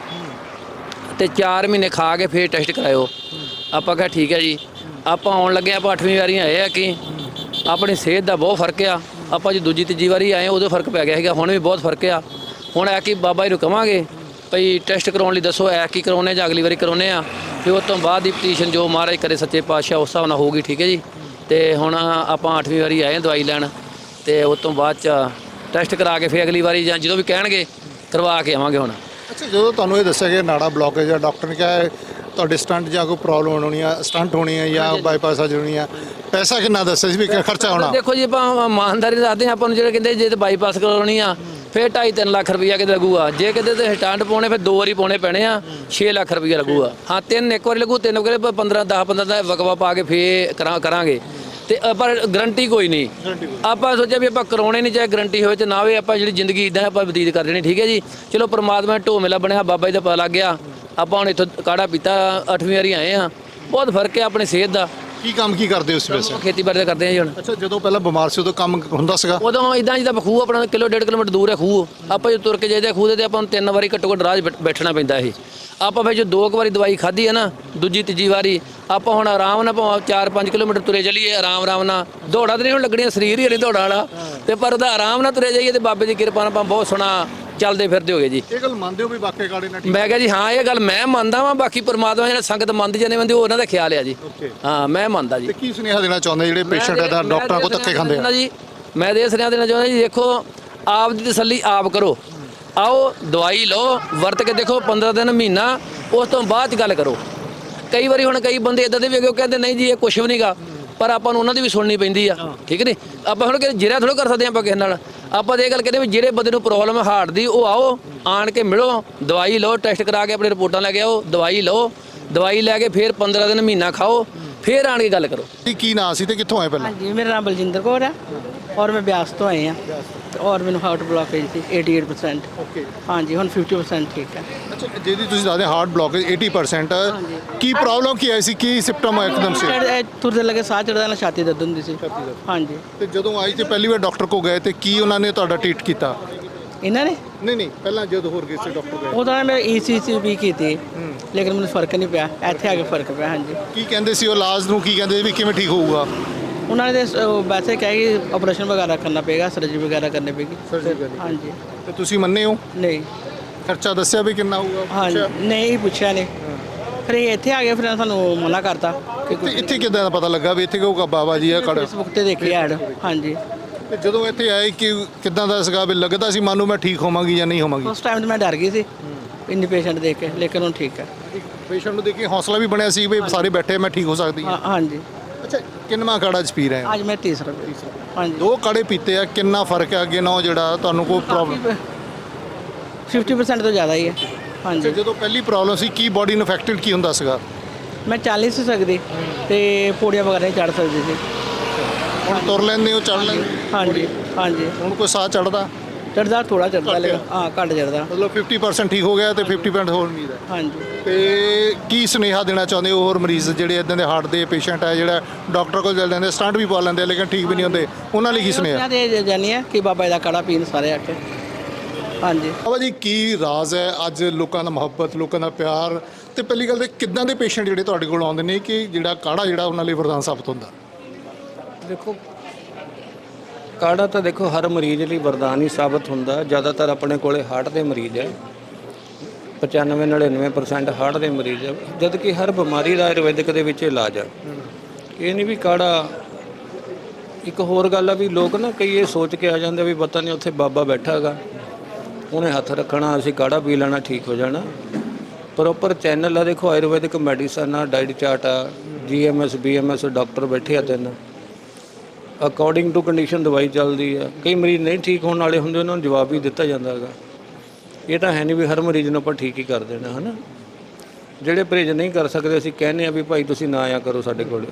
B: ਤੇ 4 ਮਹੀਨੇ ਖਾ ਕੇ ਫਿਰ ਟੈਸਟ ਕਰਾਇਓ। ਆਪਾਂ ਕਿਹਾ ਠੀਕ ਹੈ ਜੀ। ਆਪਾਂ ਆਉਣ ਲੱਗੇ, ਆਪਾਂ 8ਵੀਂ ਵਾਰੀ ਆਏ ਆ ਕਿ ਆਪਣੀ ਸਿਹਤ ਦਾ ਬਹੁਤ ਫਰਕ ਆ। ਆਪਾਂ ਜੀ ਦੂਜੀ ਤੀਜੀ ਵਾਰੀ ਆਏ ਉਦੋਂ ਫਰਕ ਪੈ ਗਿਆ ਸੀਗਾ, ਹੁਣ ਵੀ ਬਹੁਤ ਫਰਕ ਆ। ਹੁਣ ਆ ਕਿ ਬਾਬਾ ਜੀ ਨੂੰ ਕਵਾਂਗੇ ਭਈ ਟੈਸਟ ਕਰਾਉਣ ਲਈ ਦੱਸੋ, ਐ ਕੀ ਕਰਾਉਣੇ ਜਾਂ ਅਗਲੀ ਵਾਰੀ ਕਰਾਉਣੇ ਆ, ਫਿਰ ਉਸ ਤੋਂ ਬਾਅਦ ਦੀ ਪਟੀਸ਼ਨ ਜੋ ਮਹਾਰਾਜ ਕਰੇ ਸੱਚੇ ਪਾਤਸ਼ਾਹ ਉਸ ਹਿਸਾਬ ਨਾਲ ਹੋਊਗੀ। ਠੀਕ ਹੈ ਜੀ। ਤੇ ਹੁਣ ਆਪਾਂ 8ਵੀਂ ਵਾਰੀ ਆਏ ਦਵਾਈ ਲੈਣ, ਤੇ ਉਸ ਤੋਂ ਬਾਅਦ 'ਚ ਟੈਸਟ ਕਰਾ ਕੇ ਫਿਰ ਅਗਲੀ ਵਾਰੀ ਜਾਂ ਜਦੋਂ ਵੀ ਕਹਿਣਗੇ ਕਰਵਾ ਕੇ ਆਵਾਂਗੇ ਹੁਣ।
A: ਅੱਛਾ, ਜਦੋਂ ਤੁਹਾਨੂੰ ਇਹ ਦੱਸਿਆ ਕਿ ਨਾੜਾ ਬਲੌਕੇਜ ਆ, ਡਾਕਟਰ ਨੇ ਕਿਹਾ ਤੁਹਾਡੇ ਸਟੰਟ ਜਾਂ ਕੋਈ ਪ੍ਰੋਬਲਮ ਹੋਣੀ ਆ, ਸਟੰਟ ਹੋਣੀ ਆ ਜਾਂ ਬਾਈਪਾਸ ਸਰਜਰੀ ਹੋਣੀ ਆ, ਪੈਸਾ ਕਿੰਨਾ ਦੱਸਿਆ ਸੀ ਵੀ ਖਰਚਾ ਹੋਣਾ?
B: ਦੇਖੋ ਜੀ, ਆਪਾਂ ਇਮਾਨਦਾਰੀ ਦੱਸਦੇ ਹਾਂ। ਆਪਾਂ ਨੂੰ ਜਿਹੜੇ ਕਹਿੰਦੇ ਜੇ ਤੇ ਬਾਈਪਾਸ ਕਰਾਉਣੀ ਆ ਫਿਰ 2.5-3 ਲੱਖ ਰੁਪਈਆ ਕਿਤੇ ਲੱਗੂਗਾ। ਜੇ ਕਿਤੇ ਤੇ ਸਟੰਟ ਪਾਉਣੇ ਫਿਰ 2 ਵਾਰੀ ਪਾਉਣੇ ਪੈਣੇ ਆ, 6 ਲੱਖ ਰੁਪਈਆ ਲੱਗੂਗਾ। ਹਾਂ, 3 ਇੱਕ ਵਾਰੀ ਲੱਗੂ, 3 ਵਾਰੀ 15 ਦਾ ਵਕਵਾ ਪਾ ਕੇ ਫੇਰ ਕਰਾਂਗੇ, ਤੇ ਪਰ ਗਰੰਟੀ ਕੋਈ ਨਹੀਂ। ਆਪਾਂ ਸੋਚਿਆ ਵੀ ਆਪਾਂ ਕਰਾਉਣੇ ਨਹੀਂ, ਚਾਹੇ ਗਰੰਟੀ ਹੋਵੇ ਤੇ ਨਾ ਹੋਵੇ, ਆਪਾਂ ਜਿਹੜੀ ਜ਼ਿੰਦਗੀ ਇਦਾਂ ਆਪਾਂ ਬਤੀਤ ਕਰ ਦੇਣੀ। ਠੀਕ ਹੈ ਜੀ। ਚਲੋ ਪਰਮਾਤਮਾ ਢੋ ਮੇਲਾ ਬਣਿਆ, ਬਾਬਾ ਜੀ ਦਾ ਪਤਾ ਲੱਗ ਗਿਆ। ਆਪਾਂ ਹੁਣ ਇੱਥੋਂ ਕਾੜਾ ਪੀਤਾ, 8ਵੀਂ ਵਾਰੀ ਆਏ ਆ, ਬਹੁਤ ਫਰਕ ਹੈ ਆਪਣੀ ਸਿਹਤ ਦਾ।
A: ਕੀ ਕੰਮ ਕੀ ਕਰਦੇ ਹੋ ਉਸ ਵੈਸੇ?
B: ਖੇਤੀਬਾੜੀ ਦਾ ਕਰਦੇ ਆ ਜੀ ਹੁਣ।
A: ਅੱਛਾ, ਜਦੋਂ ਪਹਿਲਾਂ ਬਿਮਾਰ ਸੀ ਉਦੋਂ ਕੰਮ ਹੁੰਦਾ ਸੀਗਾ?
B: ਉਦੋਂ ਇਦਾਂ ਜਿੱਦਾਂ ਖੂਹ ਆਪਣਾ 1.5 ਕਿਲੋਮੀਟਰ ਦੂਰ ਹੈ ਖੂਹ। ਆਪਾਂ ਜੋ ਤੁਰ ਕੇ ਜਾਈਦਾ ਖੂਹ ਦੇ, ਤੇ ਆਪਾਂ ਨੂੰ 3 ਵਾਰੀ ਘੱਟੋ ਘੱਟ ਰਾਹ 'ਚ ਬੈਠਣਾ ਪੈਂਦਾ ਇਹ। ਆਪਾਂ ਫਿਰ ਜੋ 2 ਵਾਰੀ ਦਵਾਈ ਖਾਧੀ ਹੈ ਨਾ, ਦੂਜੀ ਤੀਜੀ ਵਾਰੀ ਆਪਾਂ ਹੁਣ ਆਰਾਮ ਨਾਲ ਭਾਵੇਂ 4-5 ਕਿਲੋਮੀਟਰ ਤੁਰੇ ਚੱਲੀਏ, ਆਰਾਮ ਨਾਲ। ਦੌੜਾ ਤੇ ਨਹੀਂ ਹੁਣ ਲੱਗਣੀਆਂ, ਸਰੀਰ ਹੀ ਨਹੀਂ ਦੌੜਾ ਵਾਲਾ, ਤੇ ਪਰ ਉਹਦਾ ਆਰਾਮ ਨਾਲ ਤੁਰੇ ਜਾਈਏ, ਤੇ ਬਾਬੇ ਦੀ ਕਿਰਪਾ ਨਾਲ ਆਪਾਂ ਬਹੁਤ ਸੋਹਣਾ ਚੱਲਦੇ ਫਿਰਦੇ ਹੋਗੇ ਜੀ।
A: ਇਹ ਗੱਲ ਮੰਨਦੇ ਹੋ ਵੀ ਵਾਕਈ ਕਾੜੇ ਨਾਲ?
B: ਮੈਂ ਕਿਹਾ ਜੀ ਹਾਂ, ਇਹ ਗੱਲ ਮੈਂ ਮੰਨਦਾ ਵਾਂ। ਬਾਕੀ ਪਰਮਾਤਮਾ ਜਿਹੜਾ ਸੰਗਤ ਮੰਨਦੀ ਜਾਂਦੇ ਉਹ ਉਹਨਾਂ ਦਾ ਖਿਆਲ ਆ ਜੀ। ਹਾਂ, ਮੈਂ ਮੰਨਦਾ ਜੀ।
A: ਤੇ ਕੀ ਸੁਨੇਹਾ ਦੇਣਾ ਚਾਹੁੰਦੇ ਜਿਹੜੇ ਪੇਸ਼ੈਂਟ ਇਹਦਾ ਡਾਕਟਰਾਂ ਕੋਲ ਧੱਕੇ ਖਾਂਦੇ ਆ?
B: ਜੀ ਮੈਂ ਦੇ ਸੁਨੇਹਾ ਦੇਣਾ ਚਾਹੁੰਦਾ ਜੀ, ਦੇਖੋ ਆਪ ਦੀ ਤਸੱਲੀ ਆਪ ਕਰੋ। ਆਓ ਦਵਾਈ ਲਓ, ਵਰਤ ਕੇ ਦੇਖੋ 15 ਦਿਨ ਮਹੀਨਾ, ਉਸ ਤੋਂ ਬਾਅਦ 'ਚ ਗੱਲ ਕਰੋ। ਕਈ ਵਾਰੀ ਹੁਣ ਕਈ ਬੰਦੇ ਇਦਾਂ ਦੇ ਵੀ ਹੈਗੇ, ਉਹ ਕਹਿੰਦੇ ਨਹੀਂ ਜੀ ਇਹ ਕੁਛ ਵੀ ਨਹੀਂਗਾ, ਪਰ ਆਪਾਂ ਨੂੰ ਉਹਨਾਂ ਦੀ ਵੀ ਸੁਣਨੀ ਪੈਂਦੀ ਆ। ਠੀਕ ਨਹੀਂ? ਆਪਾਂ ਹੁਣ ਕਿ ਜਿਹੜਾ ਥੋੜ੍ਹਾ ਕਰ ਸਕਦੇ ਆਪਾਂ ਕਿਸੇ ਨਾਲ। ਆਪਾਂ ਤਾਂ ਇਹ ਗੱਲ ਕਹਿੰਦੇ ਵੀ ਜਿਹੜੇ ਬੰਦੇ ਨੂੰ ਪ੍ਰੋਬਲਮ ਹੈ ਹਾਰਟ ਦੀ, ਉਹ ਆਓ, ਆਣ ਕੇ ਮਿਲੋ, ਦਵਾਈ ਲਓ, ਟੈਸਟ ਕਰਾ ਕੇ ਆਪਣੀ ਰਿਪੋਰਟਾਂ ਲੈ ਕੇ ਆਓ, ਦਵਾਈ ਲਓ, ਦਵਾਈ ਲੈ ਕੇ ਫਿਰ 15 ਦਿਨ ਮਹੀਨਾ ਖਾਓ, ਫਿਰ ਆਣ ਕੇ ਗੱਲ ਕਰੋ।
A: ਕੀ ਨਾਂ ਸੀ ਤੇ ਕਿੱਥੋਂ ਆਏ ਪਹਿਲਾਂ?
C: ਹਾਂਜੀ, ਮੇਰਾ ਨਾਮ ਬਲਜਿੰਦਰ ਕੌਰ ਹੈ ਔਰ ਮੈਂ ਬਿਆਸ ਤੋਂ ਆਏ ਹਾਂ, ਔਰ ਮੈਨੂੰ ਹਾਰਟ ਬਲੌਕੇਜ ਸੀ 88%।
A: ਓਕੇ।
C: ਹਾਂਜੀ, ਹੁਣ 50% ਠੀਕ ਹੈ।
A: ਅੱਛਾ, ਜਿਹਦੀ ਤੁਸੀਂ ਦੱਸਦੇ ਹਾਰਟ ਬਲੌਕੇਜ 80%, ਕੀ ਪ੍ਰੋਬਲਮ ਕੀ ਆਈ ਸੀ? ਕੀ ਸਿੰਪਟਮ ਆਇਆ ਇੱਕਦਮ ਸੇ?
C: ਤੁਰਦੇ ਲੱਗੇ ਸਾਹ ਚੜਦਾ, ਨਾਲ ਛਾਤੀ ਦਰਦ ਹੁੰਦੀ ਸੀ। ਹਾਂਜੀ।
A: ਤੇ ਜਦੋਂ ਆਈ ਤੇ ਪਹਿਲੀ ਵਾਰ ਡਾਕਟਰ ਕੋ ਗਏ ਤੇ ਕੀ ਉਹਨਾਂ ਨੇ ਤੁਹਾਡਾ ਟ੍ਰੀਟ ਕੀਤਾ?
C: ਇਹਨਾਂ ਨੇ
A: ਨਹੀਂ, ਪਹਿਲਾਂ ਜਦੋਂ ਹੋਰ ਗਏ ਸੀ ਡਾਕਟਰ ਗਏ?
C: ਉਹਦਾ ਮੈਂ ECG ਵੀ ਕੀਤੀ, ਲੇਕਿਨ ਮੈਨੂੰ ਫਰਕ ਨਹੀਂ ਪਿਆ। ਇੱਥੇ ਆ ਕੇ ਫਰਕ ਪਿਆ। ਹਾਂਜੀ।
A: ਕੀ ਕਹਿੰਦੇ ਸੀ ਉਹ ਇਲਾਜ ਨੂੰ? ਕੀ ਕਹਿੰਦੇ ਵੀ ਕਿਵੇਂ ਠੀਕ ਹੋਊਗਾ?
C: ਉਹਨਾਂ ਨੇ ਵੈਸੇ ਕਿਹਾ ਕਿ ਆਪਰੇਸ਼ਨ ਵਗੈਰਾ ਕਰਨਾ ਪਏਗਾ, ਸਰਜਰੀ ਵਗੈਰਾ ਕਰਨੀ ਪਏਗੀ। ਹਾਂਜੀ।
A: ਤੇ ਤੁਸੀਂ ਮੰਨੇ ਹੋ?
C: ਨਹੀਂ।
A: ਖਰਚਾ ਦੱਸਿਆ ਵੀ ਕਿੰਨਾ ਹੋਊਗਾ?
C: ਹਾਂਜੀ, ਨਹੀਂ ਪੁੱਛਿਆ ਨਹੀਂ। ਫਿਰ ਇਹ ਇੱਥੇ ਆ ਗਏ, ਫਿਰ ਸਾਨੂੰ ਮਨਾ ਕਰਤਾ ਕਿ
A: ਤੇ ਇੱਥੇ ਕਿੱਦਾਂ ਦਾ ਪਤਾ ਲੱਗਾ ਵੀ ਇੱਥੇ ਕਹੂਗਾ ਬਾਬਾ ਜੀ ਆ ਕਾੜਾ?
C: ਫੇਸਬੁੱਕ ਤੇ ਦੇਖੀ ਐਡ। ਹਾਂਜੀ।
A: ਤੇ ਜਦੋਂ ਇੱਥੇ ਆਏ ਕਿ ਕਿੱਦਾਂ ਦਾ ਸੀਗਾ? ਵੀ ਲੱਗਦਾ ਸੀ ਮਨ ਨੂੰ ਮੈਂ ਠੀਕ ਹੋਵਾਂਗੀ ਜਾਂ ਨਹੀਂ ਹੋਵਾਂਗੀ?
C: ਉਸ ਟਾਈਮ ਤੇ ਮੈਂ ਡਰ ਗਈ ਸੀ ਇੰਨੀ ਪੇਸ਼ੈਂਟ ਦੇਖ ਕੇ, ਲੇਕਿਨ ਹੁਣ ਠੀਕ ਹੈ।
A: ਪੇਸ਼ੈਂਟ ਨੂੰ ਦੇਖ ਕੇ ਹੌਸਲਾ ਵੀ ਬਣਿਆ ਸੀ ਵੀ ਸਾਰੇ ਬੈਠੇ, ਮੈਂ ਠੀਕ ਹੋ ਸਕਦੀ ਹਾਂ।
C: ਹਾਂਜੀ।
A: ਅੱਛਾ, ਕਿੰਨਾ ਕਾੜਾ ਚ ਪੀ ਰਹੇ ਹੋ?
C: ਅੱਜ ਮੈਂ ਤੀਸਰਾ। ਹਾਂਜੀ।
A: 2 ਕਾੜੇ ਪੀਤੇ ਆ, ਕਿੰਨਾ ਫਰਕ ਹੈ ਅੱਗੇ ਨਾਲੋਂ? ਜਿਹੜਾ ਤੁਹਾਨੂੰ ਕੋਈ ਪ੍ਰੋਬਲਮ?
C: 50% ਤੋਂ ਜ਼ਿਆਦਾ ਹੀ ਹੈ। ਹਾਂਜੀ।
A: ਜਦੋਂ ਪਹਿਲੀ ਪ੍ਰੋਬਲਮ ਸੀ ਕੀ ਬਾਡੀ ਨੂੰ ਇਫੈਕਟਡ ਕੀ ਹੁੰਦਾ ਸੀਗਾ?
C: ਮੈਂ ਚੱਲ ਨਹੀਂ ਸੀ ਸਕਦੀ ਤੇ ਪੌੜੀਆਂ ਵਗੈਰਾ ਚੜ੍ਹ ਸਕਦੀ ਸੀ।
A: ਹੁਣ ਤੁਰ ਲੈਂਦੇ ਹੋ, ਚੜ ਲੈਂਦੇ?
C: ਹਾਂਜੀ। ਹਾਂਜੀ।
A: ਹੁਣ ਕੋਈ ਸਾਹ ਚੜਦਾ?
C: ਚੜ੍ਹਦਾ ਥੋੜਾ ਚੜ੍ਹਦਾ, ਲੇਕਿਨ ਹਾਂ ਘੱਟ ਚੜ੍ਹਦਾ।
A: ਮਤਲਬ 50% ਠੀਕ ਹੋ ਗਿਆ ਤੇ 50% ਹੋਰ ਉਮੀਦ ਹੈ।
C: ਹਾਂਜੀ।
A: ਤੇ ਕੀ ਸੁਨੇਹਾ ਦੇਣਾ ਚਾਹੁੰਦੇ ਹੋ ਹੋਰ ਮਰੀਜ਼ ਜਿਹੜੇ ਇਦਾਂ ਦੇ ਹਾਰਟ ਦੇ ਪੇਸ਼ੈਂਟ ਹੈ, ਜਿਹੜਾ ਡਾਕਟਰ ਕੋਲ ਚੱਲ ਜਾਂਦੇ, ਸਟੰਟ ਵੀ ਪਾ ਲੈਂਦੇ ਆ ਲੇਕਿਨ ਠੀਕ ਵੀ ਨਹੀਂ ਹੁੰਦੇ, ਉਹਨਾਂ ਲਈ ਕੀ ਸੁਨੇਹਾ?
C: ਦੇ ਜਾਨੀ ਹੈ ਕਿ ਬਾਬਾ ਜੀ ਦਾ ਕਾੜਾ ਪੀਣ ਸਾਰੇ ਆ ਕੇ। ਹਾਂਜੀ।
A: ਬਾਬਾ ਜੀ, ਕੀ ਰਾਜ਼ ਹੈ ਅੱਜ ਲੋਕਾਂ ਦਾ ਮੁਹੱਬਤ, ਲੋਕਾਂ ਦਾ ਪਿਆਰ, ਤੇ ਪਹਿਲੀ ਗੱਲ ਤੇ ਕਿੱਦਾਂ ਦੇ ਪੇਸ਼ੈਂਟ ਜਿਹੜੇ ਤੁਹਾਡੇ ਕੋਲ ਆਉਂਦੇ ਨੇ ਕਿ ਜਿਹੜਾ ਕਾੜਾ ਜਿਹੜਾ ਉਹਨਾਂ ਲਈ ਵਰਦਾਨ ਸਾਬਤ ਹੁੰਦਾ?
H: ਦੇਖੋ, ਕਾੜਾ ਤਾਂ ਦੇਖੋ ਹਰ ਮਰੀਜ਼ ਲਈ ਵਰਦਾਨ ਹੀ ਸਾਬਤ ਹੁੰਦਾ। ਜ਼ਿਆਦਾਤਰ ਆਪਣੇ ਕੋਲੇ ਹਾਰਟ ਦੇ ਮਰੀਜ਼ ਹੈ, 95-99% ਹਾਰਟ ਦੇ ਮਰੀਜ਼ ਹੈ, ਜਦ ਕਿ ਹਰ ਬਿਮਾਰੀ ਦਾ ਆਯੁਰਵੈਦਿਕ ਦੇ ਵਿੱਚ ਇਲਾਜ ਹੈ। ਇਹ ਨਹੀਂ ਵੀ ਕਾੜਾ। ਇੱਕ ਹੋਰ ਗੱਲ ਆ ਵੀ ਲੋਕ ਨਾ ਕਈ ਇਹ ਸੋਚ ਕੇ ਆ ਜਾਂਦੇ ਵੀ ਪਤਾ ਨਹੀਂ ਉੱਥੇ ਬਾਬਾ ਬੈਠਾ ਹੈਗਾ, ਉਹਨੇ ਹੱਥ ਰੱਖਣਾ, ਅਸੀਂ ਕਾੜਾ ਪੀ ਲੈਣਾ, ਠੀਕ ਹੋ ਜਾਣਾ। ਪ੍ਰੋਪਰ ਚੈਨਲ ਆ, ਦੇਖੋ ਆਯੁਰਵੈਦਿਕ ਮੈਡੀਸਨ ਆ, ਡਾਈਟ ਚਾਰਟ ਆ, GMS BMS ਡਾਕਟਰ ਬੈਠੇ ਆ 3, ਅਕੋਰਡਿੰਗ ਟੂ ਕੰਡੀਸ਼ਨ ਦਵਾਈ ਚੱਲਦੀ ਆ। ਕਈ ਮਰੀਜ਼ ਨਹੀਂ ਠੀਕ ਹੋਣ ਵਾਲੇ ਹੁੰਦੇ, ਉਹਨਾਂ ਨੂੰ ਜਵਾਬ ਵੀ ਦਿੱਤਾ ਜਾਂਦਾ ਹੈਗਾ। ਇਹ ਤਾਂ ਹੈ ਨਹੀਂ ਵੀ ਹਰ ਮਰੀਜ਼ ਨੂੰ ਆਪਾਂ ਠੀਕ ਹੀ ਕਰ ਦੇਣਾ ਹੈ ਨਾ। ਜਿਹੜੇ ਪਰਹੇਜ਼ ਨਹੀਂ ਕਰ ਸਕਦੇ ਅਸੀਂ ਕਹਿੰਦੇ ਆ ਵੀ ਭਾਈ ਤੁਸੀਂ ਨਾ ਆਇਆ ਕਰੋ ਸਾਡੇ ਕੋਲ।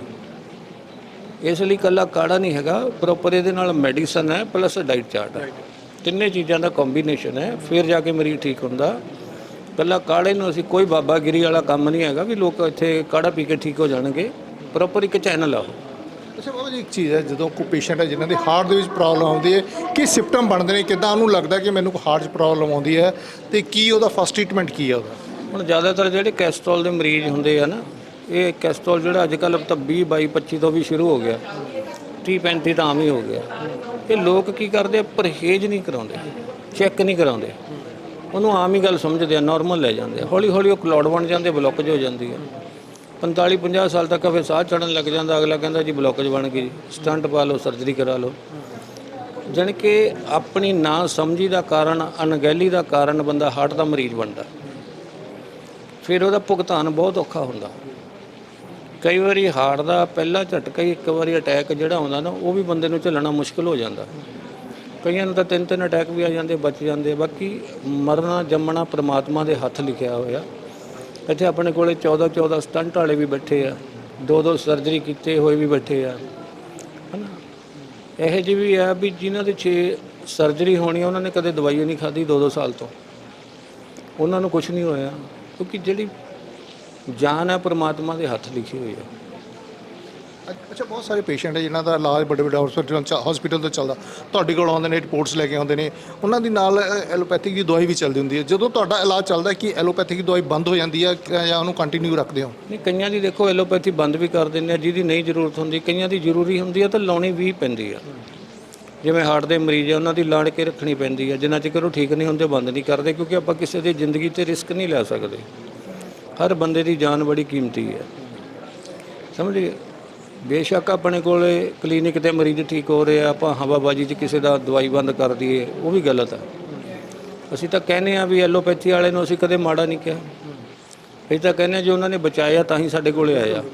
H: ਇਸ ਲਈ ਇਕੱਲਾ ਕਾੜਾ ਨਹੀਂ ਹੈਗਾ, ਪ੍ਰੋਪਰ ਇਹਦੇ ਨਾਲ ਮੈਡੀਸਨ ਹੈ ਪਲੱਸ ਡਾਈਟ ਚਾਰਟ ਹੈ, ਤਿੰਨੇ ਚੀਜ਼ਾਂ ਦਾ ਕੰਬੀਨੇਸ਼ਨ ਹੈ, ਫਿਰ ਜਾ ਕੇ ਮਰੀਜ਼ ਠੀਕ ਹੁੰਦਾ। ਇਕੱਲਾ ਕਾੜੇ ਨੂੰ ਅਸੀਂ ਕੋਈ ਬਾਬਾਗਿਰੀ ਵਾਲਾ ਕੰਮ ਨਹੀਂ ਹੈਗਾ ਵੀ ਲੋਕ ਇੱਥੇ ਕਾੜਾ ਪੀ ਕੇ ਠੀਕ ਹੋ ਜਾਣਗੇ। ਪ੍ਰੋਪਰ ਇੱਕ ਚੈਨਲ ਆ ਉਹ।
A: ਅੱਛਾ ਬਾਬਾ ਜੀ, ਇੱਕ ਚੀਜ਼ ਹੈ, ਜਦੋਂ ਕੋਈ ਪੇਸ਼ੈਂਟ ਹੈ ਜਿਨ੍ਹਾਂ ਦੇ ਹਾਰਟ ਦੇ ਵਿੱਚ ਪ੍ਰੋਬਲਮ ਆਉਂਦੀ ਹੈ, ਕੀ ਸਿੰਪਟਮ ਬਣਦੇ ਨੇ, ਕਿੱਦਾਂ ਉਹਨੂੰ ਲੱਗਦਾ ਕਿ ਮੈਨੂੰ ਹਾਰਟ 'ਚ ਪ੍ਰੋਬਲਮ ਆਉਂਦੀ ਹੈ, ਤੇ ਕੀ ਉਹਦਾ ਫਸਟ ਟ੍ਰੀਟਮੈਂਟ ਕੀ ਹੈ ਉਹਦਾ?
H: ਹੁਣ ਜ਼ਿਆਦਾਤਰ ਜਿਹੜੇ ਕੈਸਟਰੋਲ ਦੇ ਮਰੀਜ਼ ਹੁੰਦੇ ਆ ਨਾ, ਇਹ ਕੈਸਟਰੋਲ ਜਿਹੜਾ ਅੱਜ ਕੱਲ੍ਹ ਤਾਂ 20 22 25 ਤੋਂ ਵੀ ਸ਼ੁਰੂ ਹੋ ਗਿਆ, 30 35 ਤਾਂ ਆਮ ਹੀ ਹੋ ਗਿਆ। ਇਹ ਲੋਕ ਕੀ ਕਰਦੇ ਆ, ਪਰਹੇਜ਼ ਨਹੀਂ ਕਰਾਉਂਦੇ, ਚੈੱਕ ਨਹੀਂ ਕਰਾਉਂਦੇ, ਉਹਨੂੰ ਆਮ ਹੀ ਗੱਲ ਸਮਝਦੇ ਆ, ਨਾਰਮਲ ਲੈ ਜਾਂਦੇ ਆ। ਹੌਲੀ ਹੌਲੀ ਉਹ ਕਲੌੜ ਬਣ ਜਾਂਦੇ, ਬਲੋਕੇਜ ਹੋ ਜਾਂਦੀ ਹੈ। 45 50 ਸਾਲ ਤੱਕ ਫਿਰ ਸਾਹ ਚੜ੍ਹਨ ਲੱਗ ਜਾਂਦਾ, ਅਗਲਾ ਕਹਿੰਦਾ ਜੀ ਬਲੋਕੇਜ ਬਣ ਗਈ, ਸਟੰਟ ਪਾ ਲਓ, ਸਰਜਰੀ ਕਰਾ ਲਓ। ਜਾਣੀ ਕਿ ਆਪਣੀ ਨਾ ਸਮਝੀ ਦਾ ਕਾਰਨ, ਅਣਗਹਿਲੀ ਦਾ ਕਾਰਨ ਬੰਦਾ ਹਾਰਟ ਦਾ ਮਰੀਜ਼ ਬਣਦਾ। ਫਿਰ ਉਹਦਾ ਭੁਗਤਾਨ ਬਹੁਤ ਔਖਾ ਹੁੰਦਾ। ਕਈ ਵਾਰੀ ਹਾਰਟ ਦਾ ਪਹਿਲਾ ਝਟਕਾ ਹੀ, ਇੱਕ ਵਾਰੀ ਅਟੈਕ ਜਿਹੜਾ ਆਉਂਦਾ ਨਾ, ਉਹ ਵੀ ਬੰਦੇ ਨੂੰ ਝੱਲਣਾ ਮੁਸ਼ਕਿਲ ਹੋ ਜਾਂਦਾ। ਕਈਆਂ ਨੂੰ ਤਾਂ 3 ਅਟੈਕ ਵੀ ਆ ਜਾਂਦੇ, ਬਚ ਜਾਂਦੇ। ਬਾਕੀ ਮਰਨਾ ਜੰਮਣਾ ਪ੍ਰਮਾਤਮਾ ਦੇ ਹੱਥ ਲਿਖਿਆ ਹੋਇਆ। ਇੱਥੇ ਆਪਣੇ ਕੋਲੇ 14 ਸਟੰਟ ਵਾਲੇ ਵੀ ਬੈਠੇ ਆ, 2 ਸਰਜਰੀ ਕੀਤੇ ਹੋਏ ਵੀ ਬੈਠੇ ਆ, ਹੈ ਨਾ। ਇਹੋ ਜਿਹੀ ਵੀ ਆ ਵੀ ਜਿਨ੍ਹਾਂ ਦੇ 6 ਸਰਜਰੀ ਹੋਣੀ, ਉਹਨਾਂ ਨੇ ਕਦੇ ਦਵਾਈ ਨਹੀਂ ਖਾਧੀ 2 ਸਾਲ ਤੋਂ, ਉਹਨਾਂ ਨੂੰ ਕੁਝ ਨਹੀਂ ਹੋਇਆ, ਕਿਉਂਕਿ ਜਿਹੜੀ ਜਾਨ ਹੈ ਪ੍ਰਮਾਤਮਾ ਦੇ ਹੱਥ ਲਿਖੀ ਹੋਈ ਹੈ।
A: ਅੱਛਾ, ਬਹੁਤ ਸਾਰੇ ਪੇਸ਼ੈਂਟ ਹੈ ਜਿਨ੍ਹਾਂ ਦਾ ਇਲਾਜ ਵੱਡੇ ਵੱਡੇ ਹਸਪੀਟਲ ਤੋਂ ਚੱਲਦਾ, ਤੁਹਾਡੇ ਕੋਲ ਆਉਂਦੇ ਨੇ, ਰਿਪੋਰਟਸ ਲੈ ਕੇ ਆਉਂਦੇ ਨੇ, ਉਹਨਾਂ ਦੀ ਨਾਲ ਐਲੋਪੈਥਿਕ ਦੀ ਦਵਾਈ ਵੀ ਚੱਲਦੀ ਹੁੰਦੀ ਹੈ। ਜਦੋਂ ਤੁਹਾਡਾ ਇਲਾਜ ਚੱਲਦਾ, ਕਿ ਐਲੋਪੈਥਿਕ ਦੀ ਦਵਾਈ ਬੰਦ ਹੋ ਜਾਂਦੀ ਹੈ ਜਾਂ ਉਹਨੂੰ ਕੰਟੀਨਿਊ ਰੱਖਦੇ ਹੋ?
H: ਨਹੀਂ, ਕਈਆਂ ਦੀ ਦੇਖੋ ਐਲੋਪੈਥੀ ਬੰਦ ਵੀ ਕਰ ਦਿੰਦੇ ਆ, ਜਿਹਦੀ ਨਹੀਂ ਜ਼ਰੂਰਤ ਹੁੰਦੀ। ਕਈਆਂ ਦੀ ਜ਼ਰੂਰੀ ਹੁੰਦੀ ਆ ਤਾਂ ਲਾਉਣੀ ਵੀ ਪੈਂਦੀ ਆ। ਜਿਵੇਂ ਹਾਰਟ ਦੇ ਮਰੀਜ਼ ਆ, ਉਹਨਾਂ ਦੀ ਲਾਣ ਕੇ ਰੱਖਣੀ ਪੈਂਦੀ ਆ, ਜਿੰਨਾ ਚਿਰ ਉਹ ਠੀਕ ਨਹੀਂ ਹੁੰਦੇ ਬੰਦ ਨਹੀਂ ਕਰਦੇ, ਕਿਉਂਕਿ ਆਪਾਂ ਕਿਸੇ ਦੀ ਜ਼ਿੰਦਗੀ 'ਤੇ ਰਿਸਕ ਨਹੀਂ ਲੈ ਸਕਦੇ। ਹਰ ਬੰਦੇ ਦੀ ਜਾਨ ਬੜੀ ਕੀਮਤੀ ਹੈ, ਸਮਝੀਏ। ਬੇਸ਼ੱਕ ਆਪਣੇ ਕੋਲ ਕਲੀਨਿਕ 'ਤੇ ਮਰੀਜ਼ ਠੀਕ ਹੋ ਰਹੇ ਆ, ਆਪਾਂ ਹਵਾਬਾਜੀ 'ਚ ਕਿਸੇ ਦਾ ਦਵਾਈ ਬੰਦ ਕਰ ਦਈਏ, ਉਹ ਵੀ ਗਲਤ ਹੈ। ਅਸੀਂ ਤਾਂ ਕਹਿੰਦੇ ਆ ਵੀ ਐਲੋਪੈਥੀ ਵਾਲੇ ਨੂੰ ਅਸੀਂ ਕਦੇ ਮਾੜਾ ਨਹੀਂ ਕਿਹਾ। ਅਸੀਂ ਤਾਂ ਕਹਿੰਦੇ ਹਾਂ ਜੇ ਉਹਨਾਂ ਨੇ ਬਚਾਇਆ ਤਾਂ ਹੀ ਸਾਡੇ ਕੋਲੇ ਆਇਆ।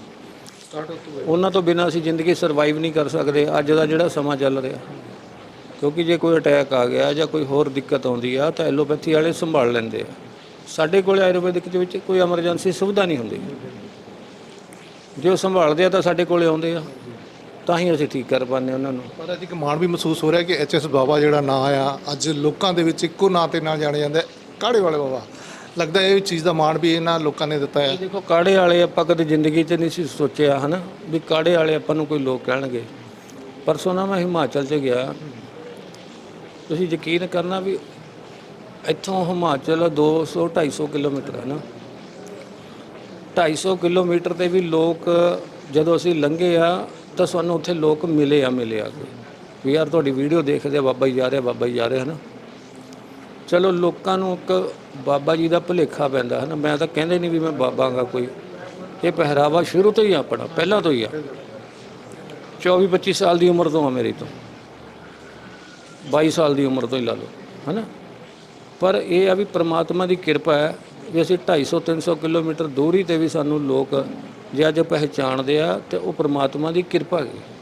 H: ਉਹਨਾਂ ਤੋਂ ਬਿਨਾਂ ਅਸੀਂ ਜ਼ਿੰਦਗੀ ਸਰਵਾਈਵ ਨਹੀਂ ਕਰ ਸਕਦੇ ਅੱਜ ਦਾ ਜਿਹੜਾ ਸਮਾਂ ਚੱਲ ਰਿਹਾ। ਕਿਉਂਕਿ ਜੇ ਕੋਈ ਅਟੈਕ ਆ ਗਿਆ ਜਾਂ ਕੋਈ ਹੋਰ ਦਿੱਕਤ ਆਉਂਦੀ ਆ ਤਾਂ ਐਲੋਪੈਥੀ ਵਾਲੇ ਸੰਭਾਲ ਲੈਂਦੇ ਆ। ਸਾਡੇ ਕੋਲ ਆਯੁਰਵੈਦਿਕ ਦੇ ਵਿੱਚ ਕੋਈ ਐਮਰਜੈਂਸੀ ਸੁਵਿਧਾ ਨਹੀਂ ਹੁੰਦੀ। ਜੇ ਉਹ ਸੰਭਾਲਦੇ ਆ ਤਾਂ ਸਾਡੇ ਕੋਲੇ ਆਉਂਦੇ ਆ, ਤਾਂ ਹੀ ਅਸੀਂ ਠੀਕ ਕਰ ਪਾਉਂਦੇ ਉਹਨਾਂ ਨੂੰ।
A: ਪਰ ਅੱਜ ਇੱਕ ਮਾਣ ਵੀ ਮਹਿਸੂਸ ਹੋ ਰਿਹਾ ਕਿ HS ਬਾਬਾ ਜਿਹੜਾ ਨਾਂ ਆ, ਅੱਜ ਲੋਕਾਂ ਦੇ ਵਿੱਚ ਇੱਕੋ ਨਾਂ 'ਤੇ ਨਾਲ ਜਾਣਿਆ ਜਾਂਦਾ, ਕਾੜੇ ਵਾਲੇ ਬਾਬਾ। ਲੱਗਦਾ ਇਹ ਚੀਜ਼ ਦਾ ਮਾਣ ਵੀ ਇਹਨਾਂ ਲੋਕਾਂ ਨੇ ਦਿੱਤਾ ਹੈ।
H: ਦੇਖੋ, ਕਾੜੇ ਵਾਲੇ ਆਪਾਂ ਕਦੇ ਜ਼ਿੰਦਗੀ 'ਚ ਨਹੀਂ ਸੀ ਸੋਚਿਆ, ਹੈ ਨਾ, ਵੀ ਕਾੜੇ ਵਾਲੇ ਆਪਾਂ ਨੂੰ ਕੋਈ ਲੋਕ ਕਹਿਣਗੇ। ਪਰਸੋਂ ਨਾ ਮੈਂ ਹਿਮਾਚਲ 'ਚ ਗਿਆ, ਤੁਸੀਂ ਯਕੀਨ ਕਰਨਾ ਵੀ ਇੱਥੋਂ ਹਿਮਾਚਲ 200-250 ਕਿਲੋਮੀਟਰ ਹੈ ਨਾ। 250 ਕਿਲੋਮੀਟਰ 'ਤੇ ਵੀ ਲੋਕ ਜਦੋਂ ਅਸੀਂ ਲੰਘੇ ਆ ਤਾਂ ਸਾਨੂੰ ਉੱਥੇ ਲੋਕ ਮਿਲੇ ਆ ਕੇ ਵੀ ਯਾਰ ਤੁਹਾਡੀ ਵੀਡੀਓ ਦੇਖਦੇ ਆ, ਬਾਬਾ ਜੀ ਜਾ ਰਿਹਾ, ਬਾਬਾ ਜੀ ਜਾ ਰਿਹਾ, ਹੈ ਨਾ। ਚਲੋ, ਲੋਕਾਂ ਨੂੰ ਇੱਕ ਬਾਬਾ ਜੀ ਦਾ ਭੁਲੇਖਾ ਪੈਂਦਾ, ਹੈ ਨਾ। ਮੈਂ ਤਾਂ ਕਹਿੰਦੇ ਨਹੀਂ ਵੀ ਮੈਂ ਬਾਬਾ ਗਾ ਕੋਈ। ਇਹ ਪਹਿਰਾਵਾ ਸ਼ੁਰੂ ਤੋਂ ਹੀ ਆਪਣਾ, ਪਹਿਲਾਂ ਤੋਂ ਹੀ ਆ। 24-25 ਸਾਲ ਦੀ ਉਮਰ ਤੋਂ ਆ ਮੇਰੀ, ਤੋਂ 22 ਸਾਲ ਦੀ ਉਮਰ ਤੋਂ ਹੀ ਲਾ ਲਓ, ਹੈ ਨਾ। ਪਰ ਇਹ ਆ ਵੀ ਪ੍ਰਮਾਤਮਾ ਦੀ ਕਿਰਪਾ ਹੈ ਵੀ ਅਸੀਂ 250-300 ਕਿਲੋਮੀਟਰ ਦੂਰੀ 'ਤੇ ਵੀ ਸਾਨੂੰ ਲੋਕ ਜੇ ਅੱਜ ਪਹਿਚਾਣਦੇ ਆ, ਅਤੇ ਉਹ ਪ੍ਰਮਾਤਮਾ ਦੀ ਕਿਰਪਾ ਹੈ।